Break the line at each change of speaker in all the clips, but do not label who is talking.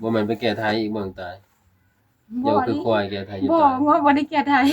บ่แม่นไปแก้ไทยอีกเบิ่งตายเดี๋ยวคือควายแก้ไทยอยู่
บ่
ตาย
งัวบ่ได้แก่ไทย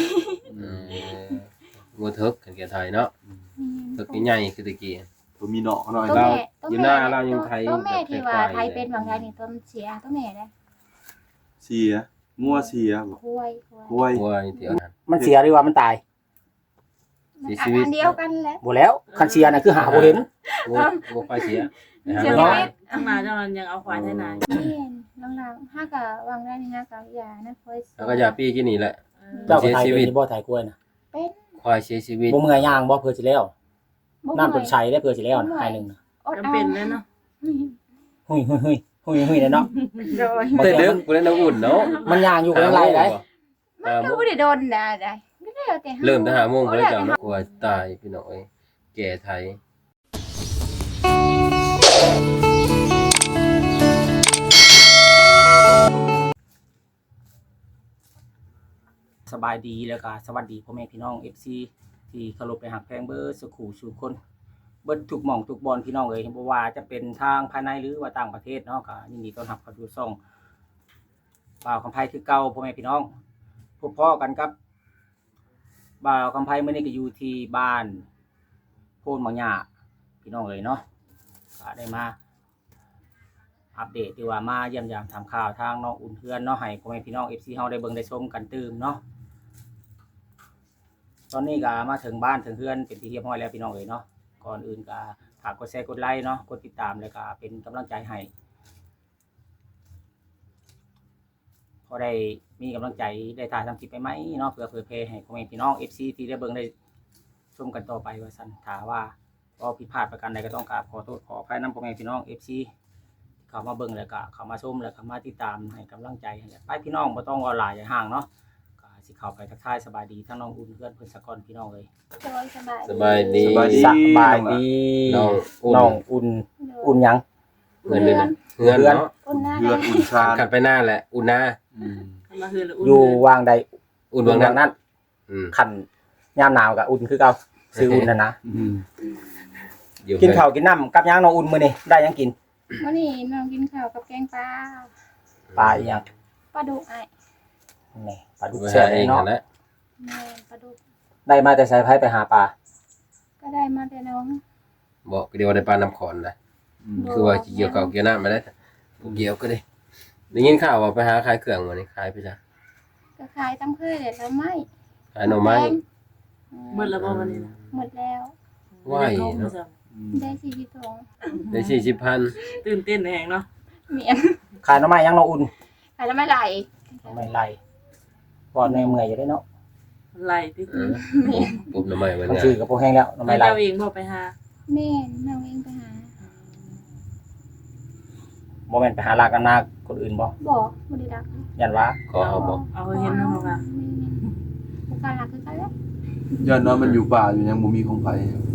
งัวเถิกกันแก้ไทยเนาะเถิกใหญ่ๆคือตะกี้
ตัวมีเนาะหน่อย
ตัว
เรา
แม่
อยู่หน้าเรายังไทย
ตัวแม่ที่ว่า
แบบ
ไทยเป็นบางอย่างนี่ตัวมันเสียตัวแม่เด้
เสียงัวเสียบ่
ควาย
ห้วย
ควายที่เอานั้น
มันเสียหรือว่ามันตาย
มัน
เสียชีวิต
อันเดียวกันแหละ
บ่แล้วคันเสียน่ะคือหาบ่เห็น
งัวควายเสียนะ
เสีย
ฮะ
ชีวิต
ข้างหน้าเจ้านั้นยังเอาควายไทยนา
เห็นหลังๆห้าก็วางได้นี่นะก็ยานะค่อย
แล้วก็ยาปี้กินนี่แหละ
เจ้าก็ตายเป็นบ่ตายกล้วยน่ะ
เป็น
ควายเสียชีวิต
บ่เมื่อยย่างบ่เพื่อสิแล้ว
บ่
น้ำต้นไทรได้เพื่อสิแล้วน่ะให้นึงน่ะ
จำเป็นเลยเนาะ
หุยๆๆๆเนาะ
โดย
แต่เด้อกูเล่นน้ำอุ่นเนาะ
มันย่างอยู่กับไรได้
มันก็บ่ได้โดนได้ก็แล้วแต่
เริ่มแต่5 โมงบ่ได้เจ้าเนาะควายตายพี่น้องเอ้ยแก่ไทย
สบายดีแล้วก็สวัสดีพ่อแม่พี่น้อง FC ที่เคารพและรักแพงเบิดสุขูสู่คนเบิดทุกหม่องทุกบอนพี่น้องเอ้ยบ่ว่าจะเป็นทางภายในหรือว่าต่างประเทศเนาะก็ยินดีต้อนรับเข้าสู่ช่องบ่าวคำไผคือเก่าพ่อแม่พี่น้องพบพ้อกันครับบ่าวคำไผมื้อนี้ก็อยู่ที่บ้านโพนหมองหญ้าพี่น้องเอ้ยเนาะก็ได้มาอัปเดตดีว่ามาเยี่ยมยามทำข่าวทางน้องอุ่นเพื่อนเนาะให้พ่อแม่พี่น้อง FC เฮาได้เบิ่งได้ชมกันตื่มเนาะตอนนี้ก็มาถึงบ้านถึงเพื่อนเป็นที่เรียบร้อยแล้วพี่น้องเอ๋ยเนาะก่อนอื่นก็ฝากกดแชร์กดไลค์เนาะกดติดตามแล้วก็เป็นกำลังใจให้พอได้มีกำลังใจได้ถ่ายทำคลิปไปไหมเนาะเพื่อเผยแพร่ให้พ่อแม่พี่น้อง FC ที่ได้เบิ่งได้ชมกันต่อไปว่าซั่นถ้าว่าก็ผิดพลาดประการใดก็ต้องกราบขอโทษขออภัยนำพ่อแม่พี่น้อง FC เข้ามาเบิ่งแล้วก็เข้ามาชมแล้วก็มาติดตามให้กำลังใจไปพี่น้องบ่ต้องรอหลายอย่าห่างเนาะก็สิเข้าไปทักทายสบายดีทั้งน้องอุ่นเพื่อนเพิ่นสะก่อนพี่น้องเอ้ย
โดยสบาย
สบายดี
สบายดี
สบายดี
น้องอุ่น
น้องอุ่นอุ่นหยัง
เงินเลยนะเงินเนาะ
อุ่นหน้า
เลือดอุ่นชา
ขัดไปหน้าแหละอุ่นหน้า
มาคือละอุ่น
อยู่วางใด
อุ่นวางนั้น
นั้น
อืม
ขันยามหนาวกับอุ่นคือเก่าซื้ออุ่นนั่นนะ
อยู่
กินข้าวกินน้ำกับหยังน้องอุ่นมื้อนี้ได้หยังกิน
วันนี้น้องกินข้าวกับแกงปลา
ปลาอีหยัง
ปลาดุกไอ้
นี่ปลาดุก
ไป
แซ่
หา
บ
เอง
เนาะ
นั่นแหละ
แม่ปลาดุก
ได้มาแต่สายไผไปหาปลา
ก็ได้มาแต่น้อง
บอกเดี๋ยวได้ปลาน้ำขอนนะคือว่าเกี่ยวกับเกี่ยวน้ำมาได้เกี่ยวก็ได้ได้ยินข่าวว่าไปหาขายเครื่องมานี่ขายไปจ้ะ
ก็ขายตำเคยแต่ทำไม
ขายหน่อไม้
เมื่อละบ่วันนี้นะ
หมดแล้ว
ไหวเนาะ
ได้40ถุง
ได้40,000
ตื่นเต้นแหงเนาะ
เมียน
ขายหน่อไม้หยังน้องอุ่น
ขายแล้วไม่ไหล
หน่อไม้ไล่บ่ในเมื่อยอยู่ได้เนาะ
ไล่ที่
ปุ๊บหน่อไม้ไว้
มัน
งา
ชื่อก็บ่แห้งแล้วหน่อ
ไป
ไม้ไล่
เจ้าเองบ่ไปหา
แม่น้องเองไปหา
บ่แม่นไปหาลากกันนาคนอื่นบ่
บอกบริดัก
ยันว่า
ขอเอาบอก
เอาเห็นเนาะว่า
บุการรักคือกันแล้ว
ย้อนว่ามันอยู่ป่าอยู่ยังบ่มีของไผ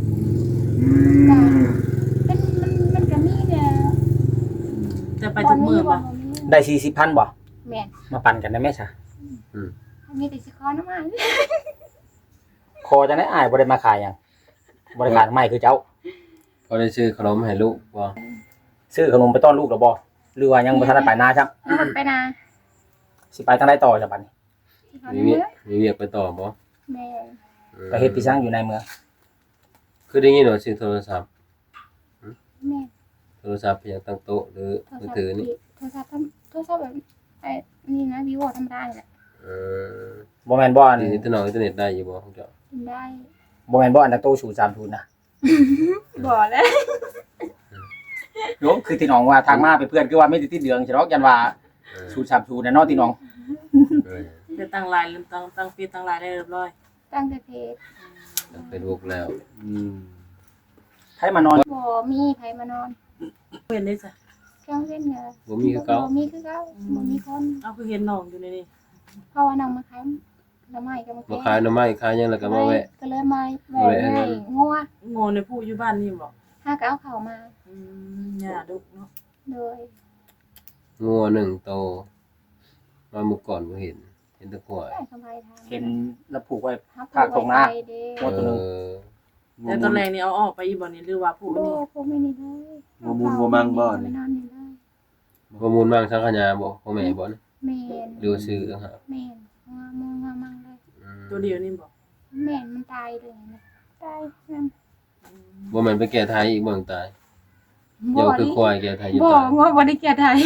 มันก็มีเนี่ย
จะไปทุกมื้อบ่
ได้40,000บ่
แม่น
มาปั่นกันได้ไหมซะ
มีแต่สิคอน้ำมัน
คอจังได๋อ้ายบ่ได้มาขายหยังบ่ได้ขายไม้คือเจ้า
พอได้ซื้อขนมให้ลูกบ่
ซื้อขนมไปต้อนลูกแล้วบ่หรือว่ายังบ่ทันได้ไปนาครับ
ไปนา
สิไปทางใดต่อจ้ะบัดนี้
สิคอ
มี
น้ำ
เวียกมีเวียกไปต่อบ่
แม่
ไปเฮ็ดพี่ช่างอยู่ในเมือง
คือได้ยินว่าซื้อโทรศัพท์
แม่
โทรศัพท์เพียงตั้งโต๊ะหรือมือถือนี่
โทรศัพท์แบบไอ้นี่นะวิโวธรรมดาแหละ
เออ
บ่แม่นบ่อัน
อินเทอร์เน็ตได้อยู่บ่ของเจ้า
กินได้
บ่แม่นบ่อันนักโตสู่3ทุนนะ
บ่แล้ว
โยมคือที่น้องว่าทางมาเป็นเพื่อนคือว่าไม่ได้ติดเหลืองใช่ดอกยันว่าสูตร3ทุนน่ะเนาะที่น้อง
เออ
จะตั้งไลน์ลืมตั้งฟีดตั้งไลน์ได้เรียบร้อย
ตั้งแต่เพจ
ตั้งเฟซบุ๊กแล้ว
ให้มานอน
บ่มีไผมานอน
เห็นได้จ้ะ
เครื่องเล่นเนี่ย
บ่มีคือเก่า
บ่มีคือเก่าบ่มีคน
เอาคือเห็นน้องอยู่ในนี่
เพราะว่าน้องมาขายน้ำไม้ก็มา
บ่ขายหน่อไม้ขายหยังแล้วก็มาแวะ
ก็เลยมาแวะให้งัว
โง่ในผู้อยู่บ้านนี่บ่
หาก็เอาเข้ามา
ย่าดุเนาะ
โดย
งัว1โตมาเมื่อก่อนบ่เห็นแต่ควาย
ได้สบายทาง
เห็นแล้วผูกไว้
ห
ภาคตรงหน้า
ไปเด้
โอ้ตัวหนึ่ง
แต่ตอนแรกนี่เอาออกไปอีบ่นี่หรือว่าผู้
โอ้
นี่
พวกไม่นี่เลย
บ่มูลบ่มังบ่
ไม่
นี่
นอนนี่เลย
บ
ประมูลมั่งสังขยาบ่พ่อแม่บ่นะ
แม่น
ดูซื้อต่างหาก
แม่นงัวมูงัวมั่งเลย
ตัวเดียวนี่บ่
แม่นมันตายเลยนะตายนั่น
บ่แม่นไปแก่ไทยอีกเบิ่งตายเดี๋ยวคือควายแก่ไทยอยู่
บ่
ตาย
งัวบ่ได้แก่ไทย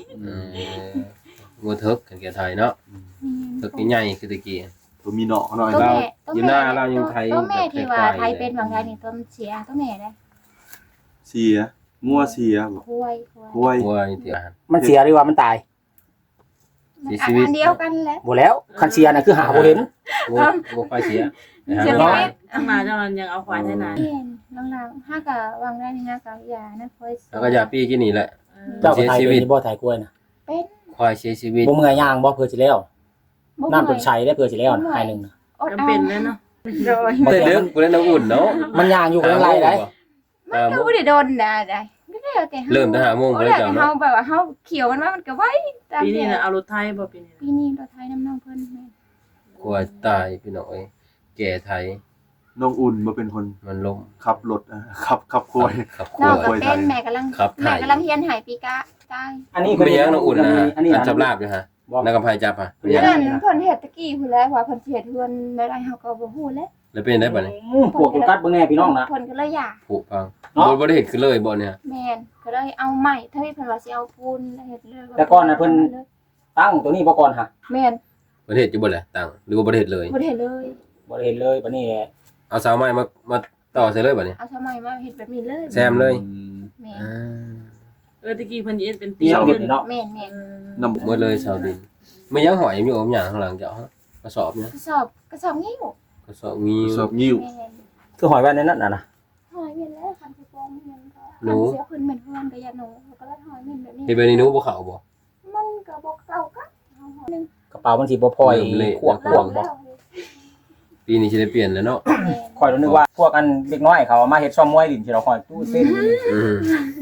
งัวเถิกกันแก่ไทยเนาะเถิกใหญ่ๆคือตะกี้
ตัวมีเนาะหน่อย
ตัว
เรา
แม่
อยู่หน้าเรายังไทย
ตัวแม่ที่ว่า
แบบไทยๆ
ไทยเป็นบางไทยนี่ตัวมันเสียตัวแม่ได้
เสียงัวเสียบ่
ควาย
ห้วย
ควายที่อาหาร
มันเสียหรือว่ามันตาย
มัน
เสียชีวิต
อันเดียวกันแหละ
บ่แล้วคันเสียน่ะคือหาบ่เห็น
งัวควายเสียนะ
เสีย
ฮะ
ชีวิต
ข้างหน้าเจ้านั้นยังเอาควายไทยนา
เห็นหลังๆห้ากะวางได้นี่นะกะยานะค่อย
แล้วก็ยาปี้กินนี่แหละ
เจ้าก็ตายเป็นนี่บ่ตายกล้วยน่ะ
เป็น
ควายเสียชีวิต
บ่เมื่อยย่างบ่เพื่อสิแล้ว
บ่
น้ำต้นชัยได้เพื่อสิแล้วน่ะให้นึงน่ะ
อด
จำ
เอา
เป็นเลยเนาะ
โดย
บ่
แต่
แต่
เรื่อง
มัน
กูเล่นน้ำอุ่นเนาะ
มันย่างอยู่กับไรได้
มันก็บ่ได้โดนได้ไม่ได้เอาแต่
เริ่มแต่5 โมง
ก็
เลย
ได้
เจ้า
แต่
เนาะ
เฮาแบบว่าเฮาเขียวมันว่ามันก็ไว้ตาม
ปีนี้
แต่
น่ะเอารถไทยบ่ปีนี้
ปีนี้เราไทยน้ำน้องเพิ่นแม่
ควายตายพี่น้องเอ้ยแก่ไทย
น้องอุ่นมาเป็นคน
มันล้ม
ขับรถขับควย
ครับค
น้
ว
องก็
ย
เป็นแม่กำลัง
ครับ
แม่กำลังเฮียนหายปีกะตาย
อันนี้
ไม่ยังน้องอุ่นนะฮะ
อันนี้
อันจับลาบอยู่ฮะ
บ่
นักกำไพจับฮะ
เรีย
นั่นเพิ่นเฮ็ดตะกี้พุ่นแล้วว่าเพิ่นสิเฮ็ดเฮือนได้เฮาก็บ่ฮู้แล้ว
แล้วเป็นได้บ่เนี่ย
พวกกัดเบิ่งแน่พี่น้องนะ
เพิ่นก็เลยอยาก
ผุพัง
เนาะ
บ่ได้เห็นคือเลยบ่เนี่ย
แม่นก็เลยเอาใหม่ถ้าเพิ่นว่าสิเอาปูนเฮ็ดเลย
แต่ก่อนน่ะเพิ่น ตั้งตัวนี้บ่ก่อนฮะ
แม่น
บ่ได้เห็นอยู่บ่แหละตังหรือว่าบ่ได้เห็นเลย
บ่ได้เฮ็ดเลย
บ่ได้เห็นเลยบัดนี้
เอาเสาไม้มาต่อใส่เลยบ่เนี่ย
เอาสมัยมาเฮ็ดแบบนี้เลย
แซมเลย
แม่น
ตะกี้เพิ่นเอ็ดเป็น
เตียงเห็ดเนาะ
แม่นแม่น
น้ำ
หมดเลยชาวดินไม่ยังหอยอยู่อมหยังข้างหลังเจ้าฮะกระสอบเนี่ย
กระสอบงิ้ว
กระสอบมี
สอบงิ้ว
แม่น
คือหอยไว้ในนั้นน่ะนะ
หอยเม่นแล้วคันสิโปงเม่นก็
หนู
คันเสียขึ้นเหมือนเฮือนก็อย่าหนูแล้วก็เลยหอยเม่นแบบนี้
เฮ็ดแบบนี้หนูบ่เข้าบ่
มันก็บ่เก่ากันเอาหอยนึง
กระเป๋ามันสิบ่พอย
เริ่มเละ
ขวบ
เล่า
บ่
แล้ว
ปีนี้สิได้เปลี่ยนแล้วเนาะ
แม่น
ข่อยนึกว่าพวกอันเด็กน้อยเขาเอามาเฮ็ดซ่อมมวยลิ้นที่เราข่อยตู้เส้น
อืม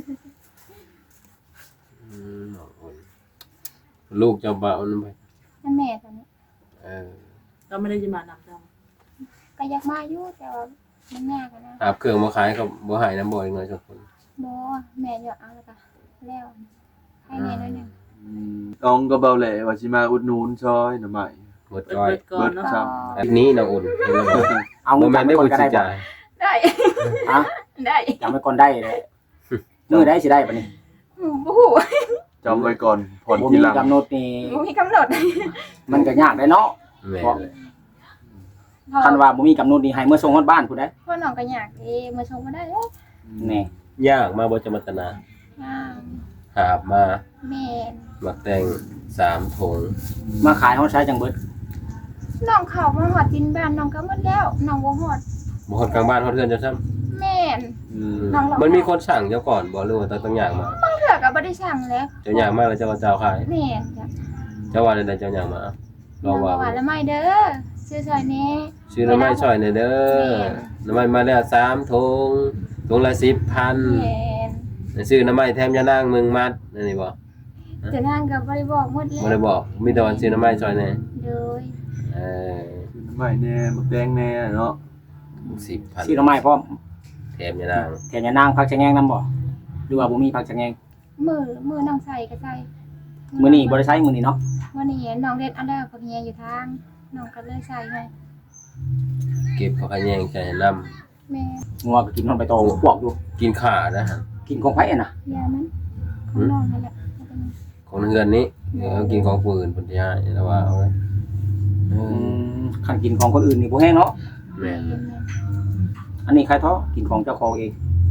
ลูกเจ้าบ่าวนั่นไป
นั่นแม่ตอนนี้
เออ
ก็ไม่ได้จะมานำเจ้า
ก็อยากมาอยู่แต่ว่ามันยากอะนะ
หาบเครื่องมาขายก็บ่หายน้ำบ่อีกหน่อยสักคน
บ่แม่อยากเอาแล้วก็แล้วให้แม่หน่อยหนึง
น้องก็เบาแหละว่าสิมาอุดหนุนซอยหน่อไม้
หมด
เปิ
จ้อย
ดก่อนเนาะ
ครับ
อันนี้น้องอุ่นเห็นแล้วบ่
เอา
บ่
เงิน
แม่นได้
จำ
บ่
ไว้ก่อนก็
สิ
ได้บ่
จ่าย
ได้
ฮะ
ได้
จำไว้ก่อนได้เลยมื้อได้สิได้บัดนี้
บ่ฮู้
จำไว้ก่อนผ่อน
บ่
ที
มี
หลัง
กำหนดนี่
บ่มีกำหนด
มันก็ยากได้เนาะ
แม่นเลย
คันว่าบ่มีกำหนดนี่ให้เมื่อส่งฮอดบ้านผู้ใด
พ่อน้องก็อยากเด้มาชมบ่ได้แล้ว
แน่
ยากมาบ่จะมัตนา
งาม
หาบมา
แม่น
หมักแตง3ถุง
มาขายเฮาใช้จังเบิด
น้องเข้ามาฮอดดินบ้านน้องก็หมดแล้วน้องบ่ฮอด
บ่ฮอดกลางบ้านฮอดเรือนจังซั่น
แม่น น้องเรามั
มันมีคนสั่งเจ้าก่อนบ่หรือว่าต้องย่างมา
เถื่อก็บ่ได้สั่งแล้ว
เจ้าย่างมาแล้วเจ้าก็เจ้าขาย
แม่นจ้ะ
เจ้าว่าได้เจ้าย่างมาลองว่า
หวานละไม่เด้อซื้อซอยแน่
ซื้อน้ำไม้ช่อยหน่อยเด้อน้ำไม้มาแล้ว3ถุงถุงละ 10,000
แม่น
ซื้อน้ำไม้แถมยานางมึงมัดนั่นนี่บ่
จะนั่งก็บ่ได้บอกหมดแล้ว
บ่ได้บอกมีแต่ว่าซื้อน้ำไม้ช่อยแน่
โดย
เออ
น้ำไม้แน่มะแดงแน่เนาะ
10,000
สิหน่อไม้พร้อม
แถมยานาง
แถมยานางผักชะแงงนํบ่หรือว่าบ่มีผักชะแงง
มือน้องใส่ก็ใส่
มื้อนี้บ่ได้ใช้มื้อนี้เนาะ
วันนี้น้องเด็ดอันแล้วผักเฮียอยู่ทางน้องก็เลยใส่ให้
เก็บผักขะแยงใส่ให้น้
แม่
งัวก็กินนอนไปโตพวกอยู่
ำกินข่านะฮะ
กินของไผอะน่ะ
ยามันของน้องนั่นแหละ
ของเฮือนนี้เดี๋ยวกินของผู้อื่นเพิ่นสิให้แล้วว่าเอาไว้เออ
คันกินของคนอื่นนี่บ่แห้งเนาะ
แม่น
อันนี้ใครท้อกินของเจ้าของเอง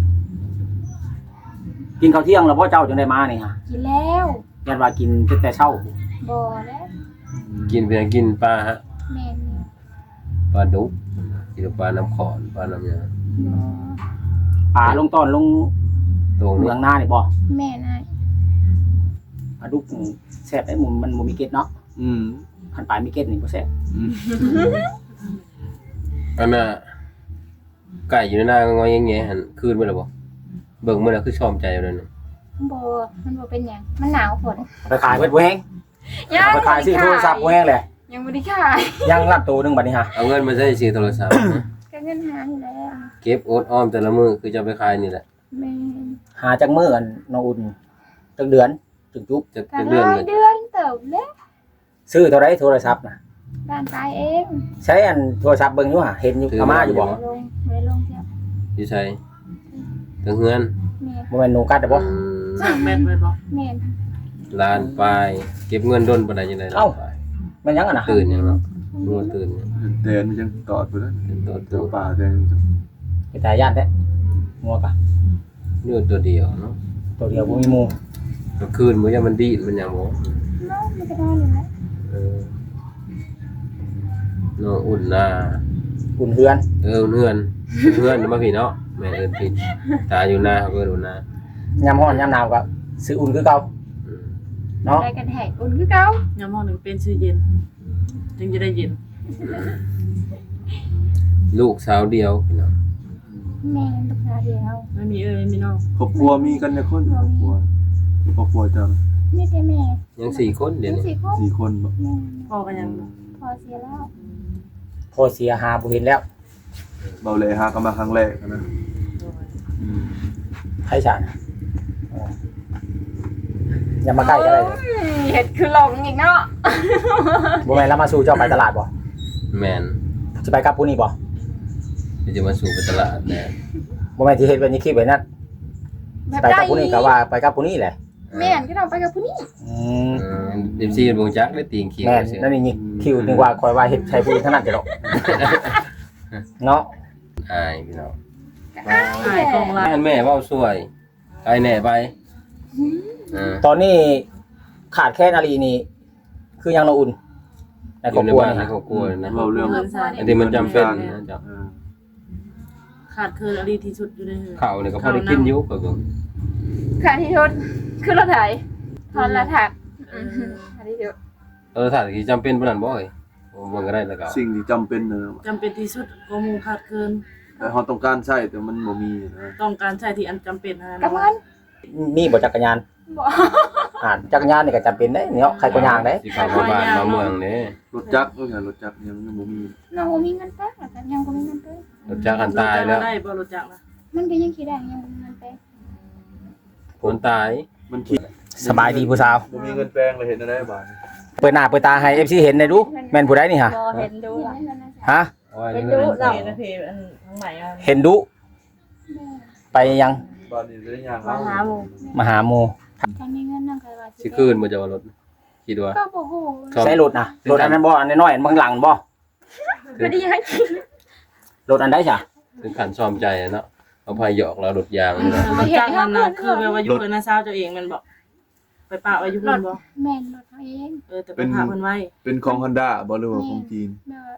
กินข้าวเที่ยงแล้วพ่อเจ้าจึงได้มานี่ฮะ
กินแล้ว
ยันว่ากินแต่เช้า
บ่แล้ว
กินเพียงกินปลาฮะ
แม่
ปลาดุกกินปลาน้ำขอนปลาน้ำหยัง
บ่
ป่าลงต้อนลง
ตรง
เมื
นี้
องหน้านี่บ่
แม่นาย
ปลาดุกแซ่บได้มันบ่มีเกล็ดเนาะ
อืม
คันปลามีเกล็ดนี่บ่แซ่บ
อืม
อันน่ะไก่อยู่ในหน้าก็งอยแงๆหั่นคืนไปแล้วบ่เบิ่งมื้อน่ะคือชอมใจอยู่นั่นน่ะ
บ่มันบ่เป็นหยังมันหนาวฝน
ไปขายเบิดบ่แห้งเอาไปขายซื้อโทรศัพท์บ่แห้งแหละ
ยังบ่ได้ขาย
ยังรับตัวหนึงบัดนี้ฮะ
เอาเงินมาใช้ซื้อโทรศัพท์นะ
ก็เงินหาอยู่แล้ว
เก็บอดออมแต่ละมื้อคือจะไปขายนี่แหละ
แม่น
หาจักมื้ออันน้องอุ่นจักเดือนจุกจุก
จะ
ก็
เดือน
ได้
เลย
เดือนเติบเลย
ซื้อเท่าไรโทรศัพท์นะ
บ้านตายเอง
ใช้อันโทรศัพท์เบิ่งอยู่ห่ะเห็นอยู่อาม่าอยู่บ่
ไม่ลงเจ้า
อยู่ใช่ถึงเฮือน
แม่
บ่แม่นหนูกัดเด้อบ่
สร้างแม่นไว้บ่
แม่
ล้านปลายเก็บเงินดนปานใดจังได๋ล่ะ
แม่นยังอ่ะนะ
ตื่นยังเนาะรู้ว่าตื่นยัง
แต่มันยังตอดไปแล้ว
เป็นตัว
เดี๋ยวป่าแต่ยัง
ไปตายญาติแท้งัวกะ
อยู่ตัวเดียวเนาะ
ตัวเดียวบ่มีหมู่
กลางคืนมื้อยังมันดีดมันหยังบ่
น้องไม่ได้นอนเลยนะ
เออน้องอุ่นหน้า
อุ่นเฮือน
เฮือนมาพี่เนาะแม่เอิ้นผิดตาอยู่หน้าเขาก็อุ่นหน้าย
ามร้อนยามหนาวก็ซื้ออุ่นคือเก่า
อืม
เนาะ
ได้กันแหกอุ่นคือเก่าย
ามห้องหนึ่งเป็นชื่อเย็นจึงจะได้เย็น
ลูกสาวเดียวพี่น้อง
แม่ลูกสาวเดียว
ไม่มีไม่มีน้อง
ครอบครัวมีกันเนี่ยคนครอบครัวเจ้า
ไม่ใช่แม่
ยัง4คนเดี๋ยวนี้
สี่คน
4 คนบ่
แม่
พ่อก็ยัง
พอเสียแล้ว
พอเสียหาบ่เห็นแล้ว
เบาแหล่หากันมาครั้งแรกนะ
ไผฉานอย่ามาใกล้ก็ได้เลย
เห็ดคือหลงอีกเนาะ
บ่แม่นแล้วมาสู่เจ้าไปตลาดบ่
แม่น
สิไปกับผู้นี้บ่
เดี๋ยวจะมาสู่ไปตลาดแน่
บ่แม่นที่เฮ็ดไว้ในคลิปไว้นั่น
แบบ
ไปกับผู้นี้ก็ว่าไปกับผู้นี้แหละ
แม่นก็ต้องไปกับผู้นี้
อืม
เดมซี่บ่จักได้ตีงเขียว
แม่น
ซื่อ
นั่นนี่คิวนึกว่าคอยว่าเฮ็ดใช้ผู้นี้เท่านั้นจะดอกเนาะ
อายพี่น้อง
อายกองละ
แม่เว้าสวยไปแหน่ไป
ตอนนี้ขาดแค่นาลีนี่คือยังเราอุ่นใน
อ
ครอบ
ยู่ใน
ครัว
บ้าน
นี่
ใน
นะ
ครอบครัวนะ
เว้าเรื่อง
เงินใส่
อันที่มันจำเป็นนะจ๊ะ
ขาดเคินอดีที่สุดอยู่ในเฮือน
ข้าวนี่ก็พอได้กินอยู่ก็
ค่ะที่ชุดคือรถไถทอนละถักค่ะที่ชุด
ถ้าที่จำเป็นปานนั้นบ่เอ้ยบ่ก็ได้แล้วก็
สิ่งที่จำเป็นนะ
จำเป็นที่สุดก็หมู่ขาดเคิน
แต่เฮาต้องการใช้แต่มันบ่มีนะ
ต้องการใช้ที่อันจำเป็นนะ
กับมัน
มีบ่จักรยาน
บ่
จักรยานนี่ก็จำเป็นได้เนาะใครก็ย่างได้
สิเข้ามาบ้านมาเมืองนี่
รถจักรก็อย่างรถจักรยังบ่มี
น้องบ่มีเงินไปแต่ยังบ่มีเงินไป
รถจักรอันตายแล้ว
ได้บ่รู้จักนะ
มันก็ยังคิดได้ยังบ่มีเงินไป
คนตาย
มันคิด
สบายดีผู้สาว
บ่มีเงินแปลงเลยเห็นได้บาด
เปิดหน้าเปิดตาให้ FC เห็นได้ดูแม่นผู้ใดนี่ฮะ
บ่เห็นดูล่ะ
ฮะ
โอ้ย
เป็นดูเรานะเพอันทั้งใหม่อ่ะ
เห็นดุไปยัง
บาดนี้ได้ย่าง
มาหาหมู่
มาหาหมู่
ถ้ามีเงินนั่งก็ว่า
สิคืนบ่จะว่ารถคิดว่า
ก็บ่ฮู้
ใช้รถนะรถอันนั้นบ่อันน้อยๆอันเบื้องหลังบ่
บ่ได้ให้กิน
รถอันใดจ้ะ
ถึงขันซ่อมใจเนาะเอาพายหยอกเรารถยางนี่นะ
มันจ้างนั่นน่ะคือแบบว่าอยู่กับน้าสาวเจ้าเองแมันบ่ไปปะไว้อยู่เพิ่นบ่
แม่นรถเขาเอง
แต่ไปพาเพิ่นไว้
เป็นของ Honda บ่หรือว่าของจีน
แม่ว่า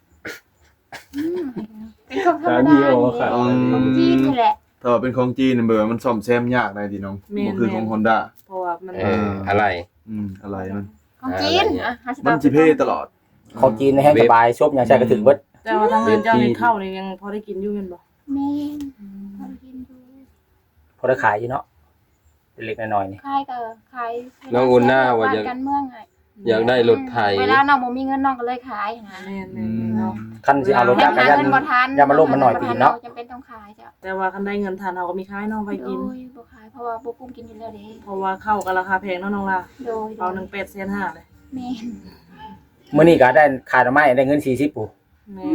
เป็นของธรรมดานี่แหละของจีนนี่แหละ
ถ้าว่าเป็นของจีนเบอร์มันซ่อมแซมยากได้ดิน้องบ่คือของ Honda
เพราะว่ามัน
อะไร
อะไรมัน
ของจีนอ่ะ
มันสิเพ่ตลอด
ของจีนในแห้งสบายชบยังใช้กระถึงเบิด
แต่ว่าทางเงินเจ้านี่เข้านี่ยังพอได้กินอยู่แม่นบ่
แม่นเขากินดู
พอได้ขายอยู่เนาะเล็กๆน้อยๆนี่
ขายก็ขาย
น้องอุ่นหน้าว่า
บ้
จะ
การเมืองไง
อยากได้รถไถ
เวลาน้องบ่มีเงินน้องก็เลยขายนะ
แม่นๆเนาะ
คันสิเอารถ
ให้
จักราน
หายเงินบ่ทัน
อย่ามาล่มมันหน่อยปีเนาะ
จำเป็นต้องขายจ้ะ
แต่ว่าคันได้เงินทานเราก็มีขายน้องไปกิน
โดยบ่ขายเพราะว่าบ่กุ้มกินอยู่แล้วเด้
เพราะว่าข้าวก็ราคาแพงเนาะน้องล่ะ
โดย
เอา1 8,500เลย
แม่น
มื้อนี้ก็ได้ขายดอกไม้ได้เงิน40ปู่
แม่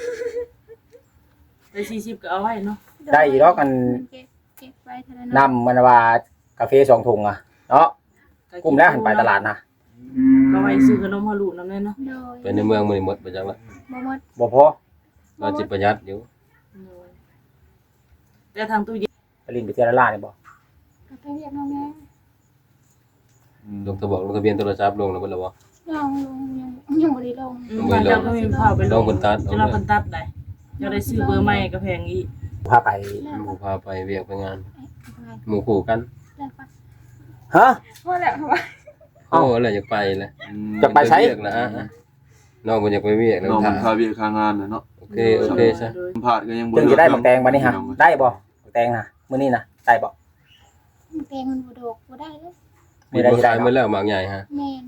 ได้40ก็เอาไว้เนาะ
ได้อีกดอกอัน
เก็บไว้เท่านั้น
น้ำมันว่ากาแฟ2ถุงอ่ะเนาะกุ้มแล้วหันไปตลาดนะ
ก็ไว้ซื้อขนมฮารุนำแน่เนาะ
โดย
ไปในเมืองมื้อนี้หมดไปจังละ
บ่หมด
บ่พอ
เราสิประหยัดอยู่
แต่ทางตู้เย็น
ไปลินไปเที่ยวร้านนี่บ่
ก็ไปเรียกน้องแม่
ลงทะเบียนโทรศัพท์ลงแล้วเพิ่นล่ะบ่
ยังบ่ได้ลง
บ้านเจ้าก็มีข้าวไปล
ลงบนตัด
จะรับเพิ่นตัดได้จะได้ซื้อเบอร์ใหม่ก็แพงอีก
พาไป
หมู่พาไปเวียกไปงาน หมู่คู่กัน
แล้วก็
ฮะ
พอแล้วว่า
โอ้แล้วอยากไปเลย
จะไปไส
เวียกแล้วน้องบ่อยากไปเวียกแล้ว
น้อง
ถ่า
มันคาเวียคางานน่ะเนาะ
โอเคซะ
สัมภาษณ์ก็ยังบ่
จึงจะได้บักแตงบัดนี้ฮะได้บ่บักแตงนะมื้อนี้นะได้บ่
เต็มมันบ่ดอกบ่ได้เลย
มีผู้ชายมาแล้วหมากใหญ่ฮะ
แม่น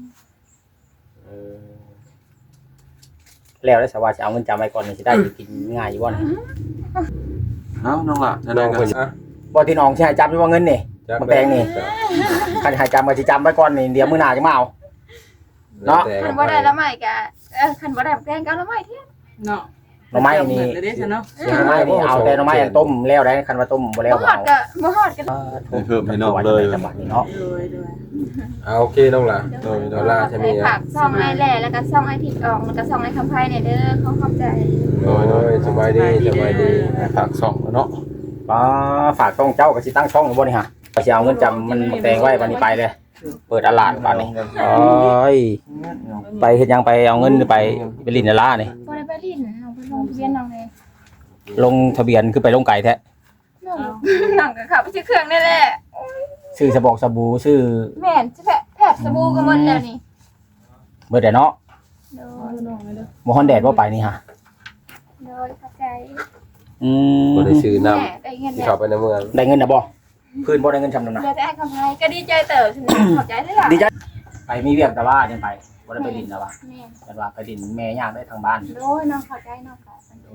แล้วได้สว่าจะเอาเงินจำไว้ก่อนนี่สิได้อยู่กินง่ายอยู่บ่นี่
เอ้าน้องล่ะ
น้องเพิ่น
บ่ที่น้องสิให้จำอยู่ว่าเงินนี่มักแตงนี่คันให้จำก็สิจำไว้ก่อนนี่เดี๋ยวมื้อหน้าจะมาเอา เนาะ
คันบ่ได้ละใหม่ก็คันบ่ได้แกงก็ละใหม่เที่ย
เนาะ
หน่อไม้นี่
เดี๋ยวเด้ฉันเนาะ
หน่อไม้นี่เอาแต่หน่อไม้อันต้มแล้วได้คันว่าต้มบ่แล้ว
บ่ฮอดก็บ่ฮอดก็
ให้เพิ่มให้น้องเลย
จังหวัดนี้เนาะ
โดย
เอาโอเคน้องล่ะโดยดอลลาร์ใช่ไหม
ให้ฝากซ่องไอ้แหล่แล้วก็ซ่องไอ้ทิดออกแล้วก็ซ่องไอ้คำไผเนี่ยเด้อขอบใจ
โดยสบายดีสบายดี
ฝากส่องเนาะ
ฝากต้องเจ้าก็สิตั้งช่องอยู่บ่นี่ฮะก็สิเอาเงินจำมันแตงไว้วันนี้ไปเลย เปิดตลาดบ้านนี้โอ้ยไปเฮ็ดหยังไปเอาเงินไปลินดารานี่
บ่ได้ไปลิ้นน้องไปลงทะเบียนน้องเลย
ลงทะเบียนคือไปลงไก่แท้
น้องก็ขับไปซื้อเครื่องนี่แหละ
ชื่อสบอกสบู่ชื่อ
แม่นสิแพทย์สบู่ก็หมดแล้วนี่
เบิดแต่เนาะ
โด
เอา
ย
น้องเลยเด้อ
บ่ฮอนแดดบ่ไปนี่ฮะ
โดยเข้าใจ
บ่ได้ซื้อน้
แม่ได้เงิน
ำที่
แล้ว
เข้าไปในเมือง
ได้เงินน่ะบ่คืนบ่ได้เงินชำนำนะ
เดี๋ยวจะให้คำไพ่ก็ดีใจเติบฉันขอบใจด้วยล่ะ
ดีใจไปมีเวียกแต่ว่าจังไปบ่ได้ไปลินแต่ว่า
แม่
แต่ว่าไปลินแม่ย่างได้ทางบ้าน
โดยน้องขอบใจน้องค่ะ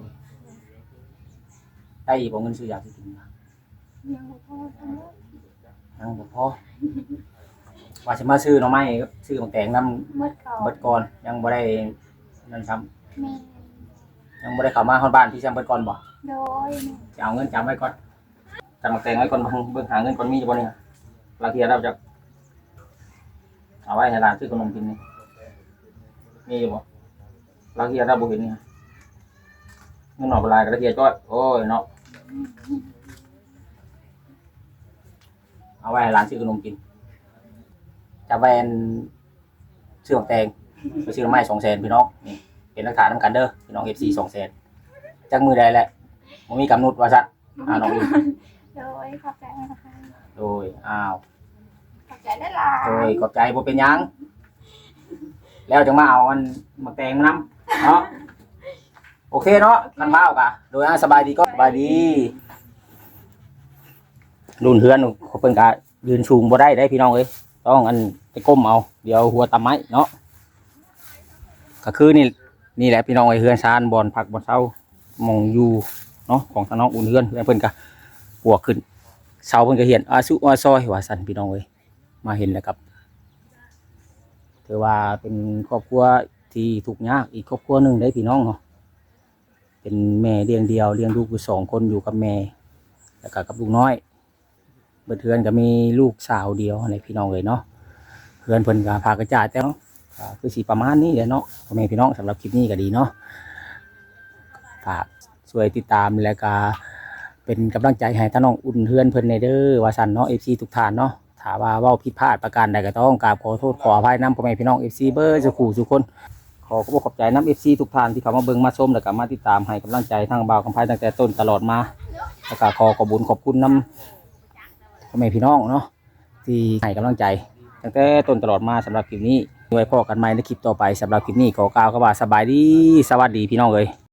ได้อีกบ่เงินซื้อยาสิกินนะ
ยังบ่พอทำแล้ว
ยังบ่พอว่าสิมาซื้อหน่อไม้กับซื้อของแตงนำ
เมื่อก่อน
เบิดก่อนยังบ่ได้นั่นซ้ำ
แม่
ยังบ่ได้เข้ามาฮอดบ้านพี่แซมเบิดก่อนบ่
โดย
จะเอาเงินจำไว้ก่อนจำมาแต่งไว้ก่อนเบิ่งหาเงินก่อนมีอยู่บ่เนี่ยบางทีเราจะเอาไว้ให้ร้านซื้อขนมกินนี่มีอยู่บ่บางทีเราบ่เห็นนี่เงินหน่อปลายกระเทียมจ้อยโอ้ยเนาะเอาไว้ให้ร้านซื้อขนมกินจะแวนซื้อของแตงไปซื้อไม้200,000พี่น้องนี่เป็นหลักฐานนำกันเด้อพี่น้อง FC 200,000จักมือใดแหละบ่มีกำหนดว่าซั่นน้องอี
โดยขอบใจนะคะ
โดยอ้าว
ขอบใจได้ล่ะ
โดยขอบใจบ่เป็นหยังแล้วจังมาเอาอันมาแต่งมานำเนาะโอเคเนาะกันมาเอากะโดยสบายดีก็สบายดีรุ่นเฮือนเขาเพิ่นก็ยืนสูงบ่ได้พี่น้องเอ้ยต้องอันไปก้มเอาเดี๋ยวหัวตำไม้เนาะก็คือนี่แหละพี่น้องเอ้ยเฮือนซานบ่อนผักบ่อนเซามองอยู่เนาะของทางน้องอุ่นเฮือนเพิ่นก็ปวกขึ้นเสาเพิ่นก็เห็นอาซุอาซอยว่าซั่นพี่น้องเอ้ยมาเห็นแล้วครับถือว่าเป็นครอบครัวที่ทุกข์ยากอีกครอบครัวหนึงได้พี่น้องเนาะเป็นแม่เลี้ยงเดียวเลี้ยงลูกอยู่2คนอยู่กับแม่แล้วก็กับลูกน้อยเบิดเฮือนก็มีลูกสาวเดียวในพี่น้องเอ้ยเนาะเฮือนเพิ่นก็พากระจาดแต่เนาะก็คือสิประมาณนี้แหละเนาะพ่อแม่พี่น้องสำหรับคลิปนี้ก็ดีเนาะฝากช่วยติดตามแล้วก็เป็นกำลังใจให้ท่านน้องอุ่นเฮือนเพิ่นในเด้อว่าซั่นเนาะ FC ทุกท่านเนาะถ้าว่าเว้าผิดพลาดประการใดก็ต้องกราบขอโทษขออภัยนำพ่อแม่พี่น้อง FC เบอร์สุขุทุกคนขอขอบใจนำ FC ทุกท่านที่เข้ามาเบิ่งมาชมแล้วก็มาติดตามให้กำลังใจทางบ่าวคำไผตั้งแต่ต้นตลอดมาแล้วก็ขอขอบคุณนำพ่อแม่พี่น้องเนาะที่ให้กำลังใจตั้งแต่ต้นตลอดมาสำหรับคลิปนี้ไว้พบกันใหม่ในคลิปต่อไปสำหรับคลิปนี้ขอกล่าวคำว่าสบายดีสวัสดีพี่น้องเอ้ย